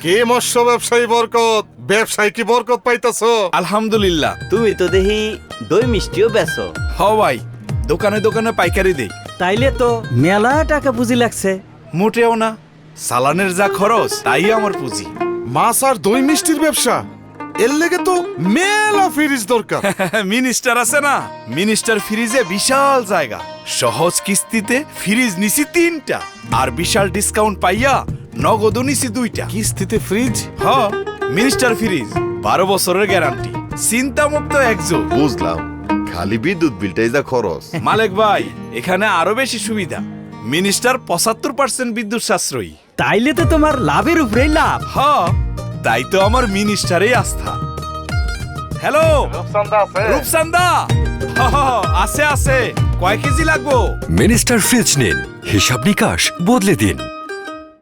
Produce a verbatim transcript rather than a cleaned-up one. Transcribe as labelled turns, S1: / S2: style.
S1: কে মৎস্য ব্যবসায়ী বরকত, ব্যবসায় কি বরকত পাইতাছো?
S2: আলহামদুলিল্লাহ।
S3: তুমি তো দেখি দই মিষ্টিও বেচো।
S2: হ ভাই, দোকানে দোকানে পাইকারি দেই।
S4: তাইলে তো মেলা টাকা পুঁজি লাগছে।
S2: মোটেও না, সালানের যা খরচ তাই আমার পুঁজি।
S1: মাছ আর দই মিষ্টির ব্যবসা, এর লেগে তো মেলা ফ্রিজ দরকার।
S2: মিনিস্টার আছে না, মিনিস্টার ফ্রিজে বিশাল জায়গা, সহজ কিস্তিতে ফ্রিজ নিছি তিনটা, আর বিশাল ডিসকাউন্ট পাইয়া নগদও নিছি দুইটা।
S1: কিস্তিতে ফ্রিজ?
S2: হ, মিনিস্টার ফ্রিজ, বারো বছরের গ্যারান্টি, চিন্তা মুক্ত একজোট।
S5: বুঝলাম, খালি বিদ্যুৎ বিলটাই যা খরচ।
S2: মালিক ভাই, এখানে আরো বেশি সুবিধা। মিনিস্টার পঁচাত্তর পার্সেন্ট বিদ্যুৎ সাশ্রয়ী।
S4: তাইলে তো তোমার লাভের উপরেই লাভ।
S2: হ, তাই তো আমার মিনিস্টারেই আস্থা। হ্যালো রূপসান্দা, হ, হ, আছে আছে, কয় কেজি লাগবো?
S6: মিনিস্টার ফ্রিজ নিন, হিসাব নিকাশ বদলে দিন।